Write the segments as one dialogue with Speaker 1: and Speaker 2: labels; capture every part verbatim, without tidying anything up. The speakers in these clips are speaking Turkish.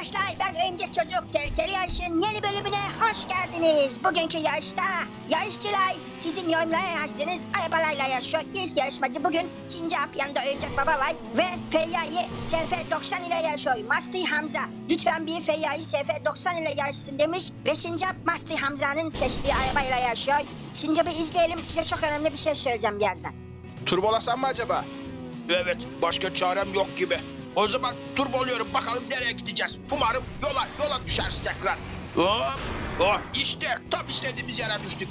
Speaker 1: arkadaşlar, ben Örümcek Çocuk. Tehlikeli Yarış'ın yeni bölümüne hoş geldiniz. Bugünkü yarışta yarışçılar sizin yorumlara yazarsınız arabalarla yarışıyor. İlk yarışmacı bugün Sincap, yanında Örümcek Baba var ve Feyyai S F doksan ile yarışıyor. Master Hamza, lütfen bir Feyyai S F doksan ile yarışsın demiş ve Sincap Master Hamza'nın seçtiği arabayla yarışıyor. Sincap'ı izleyelim, size çok önemli bir şey söyleyeceğim birazdan.
Speaker 2: Turbolasam mı acaba? Evet, başka çarem yok gibi. O zaman turboluyorum, bakalım nereye gideceğiz. Umarım yola yola düşeriz tekrar. Hop, oh işte tam istediğimiz yere düştük.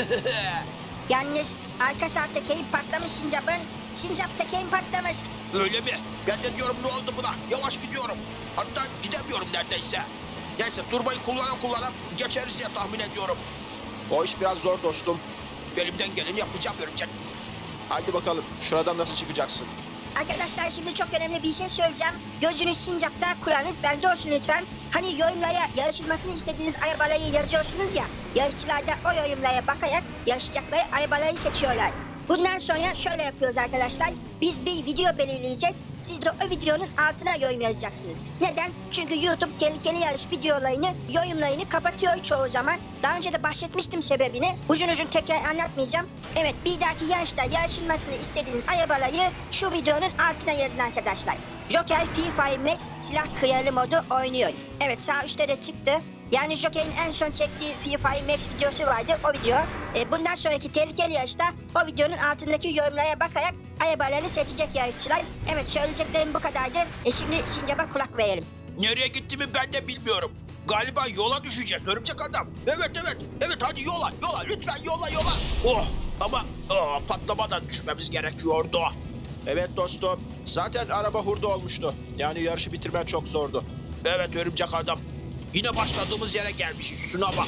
Speaker 1: Yalnız arka sağ tekerin patlamış Sincap'ın. Sincap tekerin patlamış.
Speaker 2: Öyle mi? Ben de diyorum ne oldu buna? Yavaş gidiyorum. Hatta gidemiyorum neredeyse. Neyse turbayı kullana kullana geçeriz diye tahmin ediyorum. O iş biraz zor dostum. Elimden geleni yapacağım Örümcek. Hadi bakalım şuradan nasıl çıkacaksın?
Speaker 1: Arkadaşlar, şimdi çok önemli bir şey söyleyeceğim. Gözünüz Sincap'ta, kulağınız bende olsun lütfen. Hani yorumlara yarışılmasını istediğiniz arabaları yazıyorsunuz ya. Yarışçılar da o yorumlara bakarak yarışacakları arabaları seçiyorlar. Bundan sonra şöyle yapıyoruz arkadaşlar. Biz bir video belirleyeceğiz. Siz de o videonun altına yorum yazacaksınız. Neden? Çünkü YouTube tehlikeli yarış videolarını, yorumlarını kapatıyor çoğu zaman. Daha önce de bahsetmiştim sebebini. Uzun uzun tekrar anlatmayacağım. Evet, bir dahaki yarışta yarışılmasını istediğiniz arabaları şu videonun altına yazın arkadaşlar. Joker Free Fire Max silah kralı modu oynuyor. Evet, sağ üstte de çıktı. Yani Joker'in en son çektiği Free Fire Max videosu vardı, o video. E, bundan sonraki tehlikeli yarışta o videonun altındaki yorumlara bakarak arabalarını seçecek yarışçılar. Evet, söyleyeceklerim bu kadardı. E, şimdi Sincap'a kulak verelim.
Speaker 2: Nereye gittiğimi ben de bilmiyorum. Galiba yola düşeceğiz Örümcek Adam. Evet evet evet hadi yola yola lütfen yola yola. Oh ama oh, patlamadan düşmemiz gerekiyordu. Evet dostum, zaten araba hurda olmuştu. Yani yarışı bitirmen çok zordu. Evet Örümcek Adam. Yine başladığımız yere gelmişiz. Şuna bak.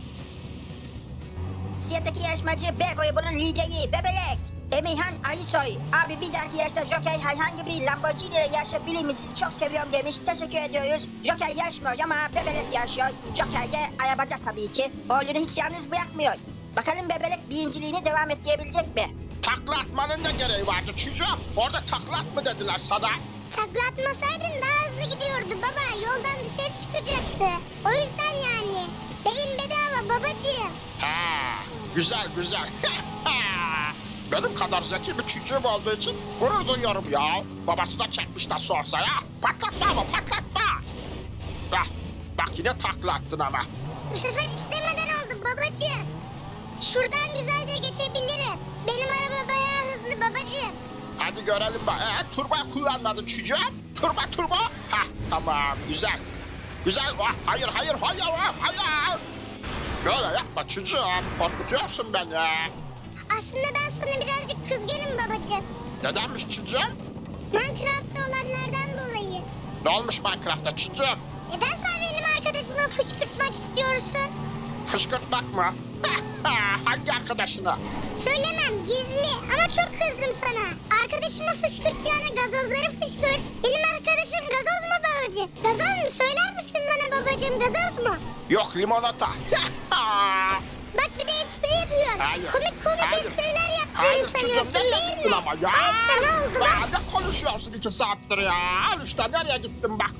Speaker 1: Siyahtaki yarışmacı B grubunun lideri Bebelek Emirhan Alisoy. Abi, bir dahaki yarışta Joker herhangi bir Lamborghini ile yarışabilir mi? Sizi çok seviyorum demiş. Teşekkür ediyoruz. Joker yarışmıyor ama Bebelek yarışıyor. Joker de arabada tabii ki. Oğlunu hiç yalnız bırakmıyor. Bakalım Bebelek birinciliğini devam ettirebilecek mi?
Speaker 2: Takla atmanın da gereği vardı çocuğum. Orada takla at mı dediler sana?
Speaker 3: Takla atmasaydın daha hızlı gidiyordu baba. Yoldan dışarı çıkacaktı. O yüzden yani. Beyin bedava babacığım.
Speaker 2: Ha, güzel güzel. Benim kadar zeki bir çocuğum olduğu için gurur duyuyorum ya. Babasına çekmiş nasıl olsa ya. Patlatma ama patlatma. Hah, bak yine takla attın ama.
Speaker 3: Bu sefer istemeden oldu babacığım. Şuradan güzelce geçebilirim. Benim araba bayağı hızlı babacığım.
Speaker 2: Hadi görelim bak. Ee, turbo kullanmadın çocuğum. Turbo turbo. Hah, tamam güzel. Güzel. Ah, hayır hayır hayır ah, hayır. Böyle yapma çocuğum. Korkutuyorsun beni.
Speaker 3: Aslında ben sana birazcık kızgınım babacığım.
Speaker 2: Nedenmiş çocuğum?
Speaker 3: Minecraft'ta olanlardan dolayı.
Speaker 2: Ne olmuş Minecraft'ta çocuğum?
Speaker 3: Neden sen benim arkadaşımı fışkırtmak istiyorsun?
Speaker 2: Fışkırtmak mı? Hangi arkadaşına?
Speaker 3: Söylemem, gizli, ama çok kızdım sana. Arkadaşımı fışkırtacağına gazozları fışkırt. Benim arkadaşım gazoz mu babacığım? Gazoz mu? Söyler misin bana babacığım, gazoz mu?
Speaker 2: Yok limonata.
Speaker 3: Bak, bir de espri yapıyor.
Speaker 2: Hayır,
Speaker 3: Komik komik
Speaker 2: hayır.
Speaker 3: espriler yaptığını
Speaker 2: Hayır
Speaker 3: sanıyorsun
Speaker 2: çocuğum, nereye
Speaker 3: değil
Speaker 2: gittin
Speaker 3: mi?
Speaker 2: ama ya?
Speaker 3: Al işte, ne oldu bak.
Speaker 2: Aa, ne konuşuyorsun iki saattir ya? Al işte nereye gittin bak.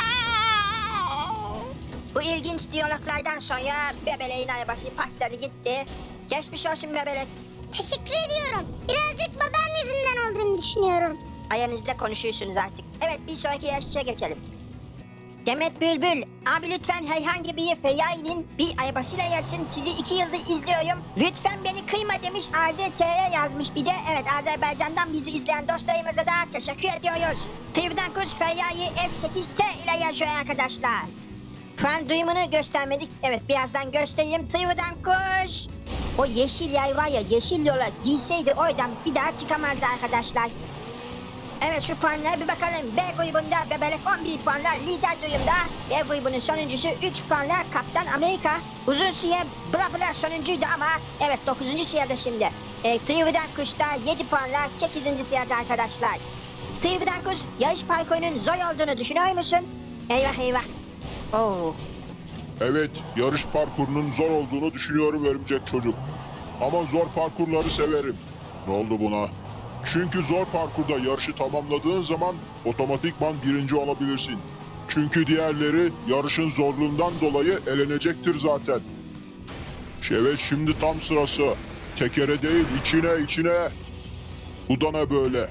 Speaker 1: Bu ilginç diyaloglardan sonra Bebelek'in arabası patladı gitti. Geçmiş olsun Bebelek.
Speaker 3: Teşekkür ediyorum. Birazcık babam yüzünden olduğunu düşünüyorum.
Speaker 1: Aranızda konuşuyorsunuz artık. Evet, bir sonraki yarışçıya geçelim. Demet Bülbül, abi lütfen herhangi bir Feyyai'nin bir arabasıyla yarışın. Sizi iki yıldır izliyorum. Lütfen beni kıyma demiş, A Z T R yazmış bir de. Evet, Azerbaycan'dan bizi izleyen dostlarımıza da teşekkür ediyoruz. Tivdan Kuş Feyyai F sekiz T ile yazıyor arkadaşlar. Puan duyumunu göstermedik. Evet, birazdan göstereyim. Tivdan Kuş. O yeşil yay var ya, yeşil yola girseydi oradan bir daha çıkamazdı arkadaşlar. Evet, şu puanlara bir bakalım. B grubunda Bebelek on bir puanla lider durumda. B grubunun sonuncusu üç puanla Kaptan Amerika. Uzun süre bla bla sonuncuydu ama evet dokuzuncu sırada şimdi. E, Trividen Kuş'ta yedi puanla sekizinci sırada arkadaşlar. Trividen Kuş, yarış parkurunun zor olduğunu düşünüyor musun? Eyvah eyvah. Oo.
Speaker 4: Evet, yarış parkurunun zor olduğunu düşünüyorum Örümcek Çocuk. Ama zor parkurları severim. Ne oldu buna? Çünkü zor parkurda yarışı tamamladığın zaman otomatikman birinci olabilirsin. Çünkü diğerleri yarışın zorluğundan dolayı elenecektir zaten. Evet, şimdi tam sırası. Tekere değil, içine içine. Bu da ne böyle?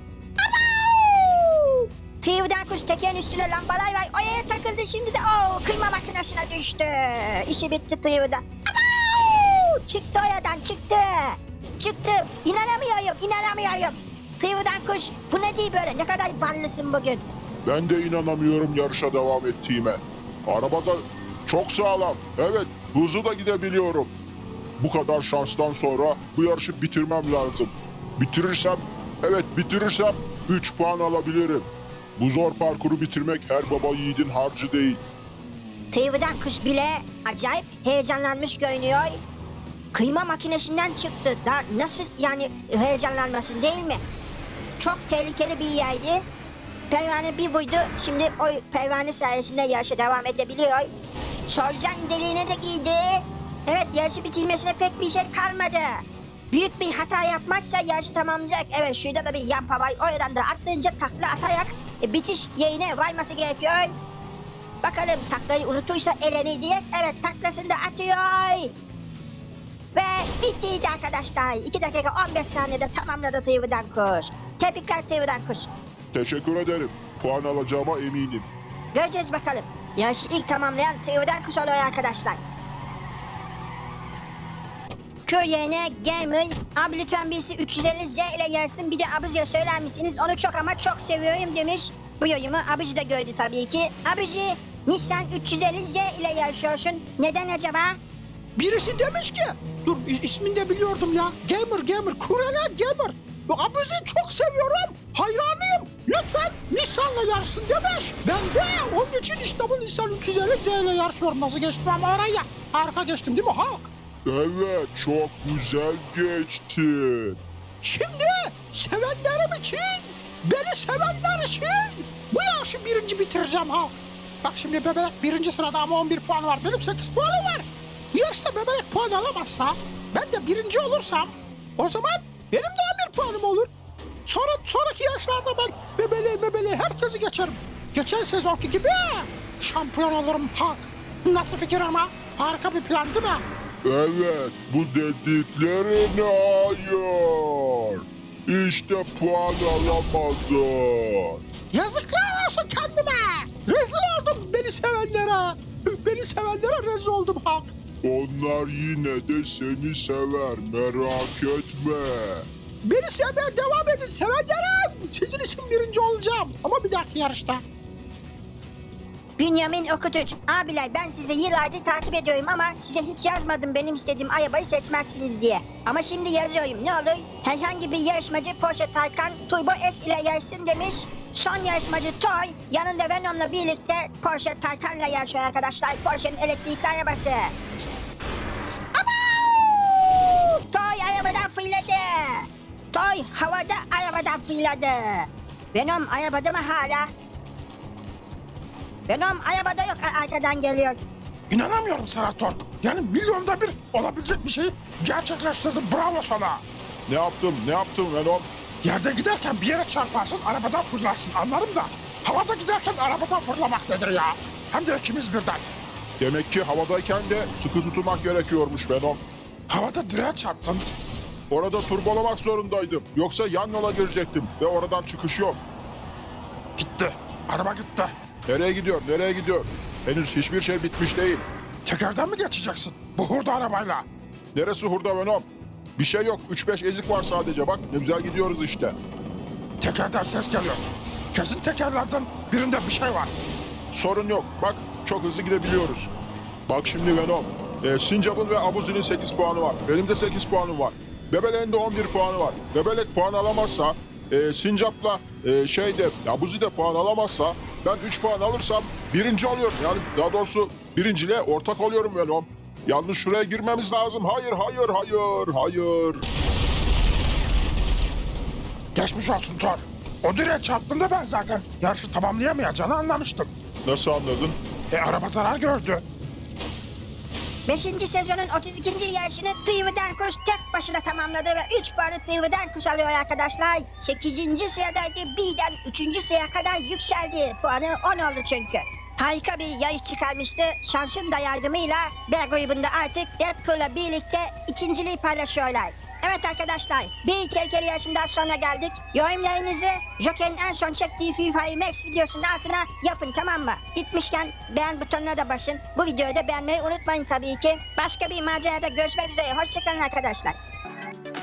Speaker 1: Tıyıvdan kuş tekerin üstüne lambalar var. Oraya takıldı şimdi de o kıyma makinesine düştü. İşi bitti Tıyıvda. Çıktı oradan çıktı. Çıktı. İnanamıyorum inanamıyorum. Tıyıvdan kuş bu ne değil böyle, ne kadar ballısın bugün.
Speaker 4: Ben de inanamıyorum yarışa devam ettiğime. Araba da çok sağlam. Evet, hızlı da gidebiliyorum. Bu kadar şanstan sonra bu yarışı bitirmem lazım. Bitirirsem, evet bitirirsem üç puan alabilirim. Bu zor parkuru bitirmek her baba yiğidin harcı değil.
Speaker 1: Tıyıvdan kuş bile acayip heyecanlanmış görünüyor. Kıyma makinesinden çıktı. Daha nasıl yani heyecanlanmasın değil mi? Çok tehlikeli bir yerdi. Pervane bir buydu. Şimdi o pervane sayesinde yarışa devam edebiliyor. Solucan deliğine de giydi. Evet, yarışı bitirmesine pek bir şey kalmadı. Büyük bir hata yapmazsa yarışı tamamlayacak. Evet, şurada da bir yampa var. Oradan da atlayınca takla atarak e, bitiş yerine varması gerekiyor. Bakalım taklayı unutursa eleni diye. Evet, taklasını da atıyor. Ve bittiydi arkadaşlar. iki dakika on beş saniyede tamamladı Tıyıvdan kuş. Tebrikler Tıyıvdan kuş.
Speaker 4: Teşekkür ederim. Puan alacağıma eminim.
Speaker 1: Göreceğiz bakalım. Yarışı ilk tamamlayan Tıyıvdan kuş oluyor arkadaşlar. Köy yerine Gamer, abi lütfen birisi üç yüz elli Z ile yarışsın, bir de abici söyler misiniz? Onu çok ama çok seviyorum demiş. Bu yorumu abici de gördü tabii ki. Abici, Nissan üç yüz elli Z ile yarışıyorsun. Neden acaba?
Speaker 2: Birisi demiş ki, dur is- ismini de biliyordum ya. Gamer Gamer, Kurana Gamer. Bu abizi çok seviyorum, hayranıyım. Lütfen Nissan'la yarışsın demiş. Ben de onun için işte bu Nissan üç yüz elli Z ile yarışıyorum. Nasıl geçtim ama oraya? Harika geçtim değil mi Hak?
Speaker 4: Evet, çok güzel geçti.
Speaker 2: Şimdi sevenlerim için, beni sevenler için bu yarışı birinci bitireceğim ha. Bak şimdi bebek birinci sırada ama on bir puan var. Benim sekiz puanım var. Bu yarışta bebek puan alamazsa, ben de birinci olursam, o zaman benim de on bir puanım olur. Sonra sonraki yarışlarda ben bebeli bebeli herkesi geçerim. Geçen sezonki gibi şampiyon olurum Hak. Nasıl fikir ama? Harika bir plan değil mi?
Speaker 4: Evet, bu dediklerin hayır. İşte puan alamadın.
Speaker 2: Yazıklar olsun kendime. Rezil oldum beni sevenlere. Beni sevenlere rezil oldum Hak.
Speaker 4: Onlar yine de seni sever, merak etme.
Speaker 2: Beni sevmeye devam edin sevenlerim. Sizin için birinci olacağım. Ama bir dahaki yarışta.
Speaker 1: Bünyamin Okutuç, abiler ben sizi yıllardır takip ediyorum ama size hiç yazmadım benim istediğim arabayı seçmezsiniz diye. Ama şimdi yazıyorum, ne olur? Herhangi bir yarışmacı Porsche Taycan Turbo S ile yarışsın demiş. Son yarışmacı Toy, yanında Venom'la birlikte Porsche Taycan'la yarışıyor arkadaşlar. Porsche'nin elektrikli arabası. Abau! Toy arabadan fırladı. Toy havada arabadan fırladı. Venom arabada mı hala? Venom arabada yok, arkadan geliyor.
Speaker 2: İnanamıyorum Senator. Yani milyonda bir olabilecek bir şeyi gerçekleştirdin. Bravo sana.
Speaker 4: Ne yaptım, ne yaptım Venom?
Speaker 2: Yerde giderken bir yere çarparsın, arabadan fırlarsın. Anlarım da havada giderken arabadan fırlamak nedir ya? Hem de ikimiz birden.
Speaker 4: Demek ki havadayken de sıkı tutmak gerekiyormuş Venom.
Speaker 2: Havada direğe çarptın.
Speaker 4: Orada turbolamak zorundaydım. Yoksa yan yola girecektim ve oradan çıkış yok.
Speaker 2: Gitti. Araba gitti.
Speaker 4: Nereye gidiyor, nereye gidiyor? Henüz hiçbir şey bitmiş değil.
Speaker 2: Tekerden mi geçeceksin? Bu hurda arabayla.
Speaker 4: Neresi hurda Venom? Bir şey yok, üç beş ezik var sadece. Bak ne güzel gidiyoruz işte.
Speaker 2: Tekerden ses geliyor. Kesin tekerlerden birinde bir şey var.
Speaker 4: Sorun yok, bak çok hızlı gidebiliyoruz. Bak şimdi Venom, e, Sincap'ın ve Abuzi'nin sekiz puanı var. Benim de sekiz puanım var. Bebelek'in de on bir puanı var. Bebelek puan alamazsa, e, Sincap'la e, şeyde, Abuzi de puan alamazsa, ben üç puan alırsam birinci oluyorum. Yani daha doğrusu birinciliğe ortak oluyorum Venom. Yalnız şuraya girmemiz lazım. Hayır, hayır, hayır, hayır.
Speaker 2: Geçmiş olsun Thor. O direğe çarptığında ben zaten yarışı tamamlayamayacağını anlamıştım.
Speaker 4: Nasıl anladın?
Speaker 2: E araba zarar gördü.
Speaker 1: Beşinci sezonun otuz ikinci yarışını Tıyvıdan Kuş tek başına tamamladı ve üç puanı Tıyvıdan Kuş alıyor arkadaşlar. sekizinci sıradaydı, birden üçüncü sıraya kadar yükseldi. Puanı on oldu çünkü. harika bir yarış çıkarmıştı. Şansın da yardımıyla B grubunda artık Deadpool'la birlikte ikinciliği paylaşıyorlar. Evet arkadaşlar, bir tehlikeli yarışından sonra geldik. Yorumlarınızı Joker'in en son çektiği FIFA Max videosunun altına yapın, tamam mı? Gitmişken beğen butonuna da basın. Bu videoyu da beğenmeyi unutmayın tabii ki. Başka bir macerada görüşmek üzere. Hoşçakalın arkadaşlar.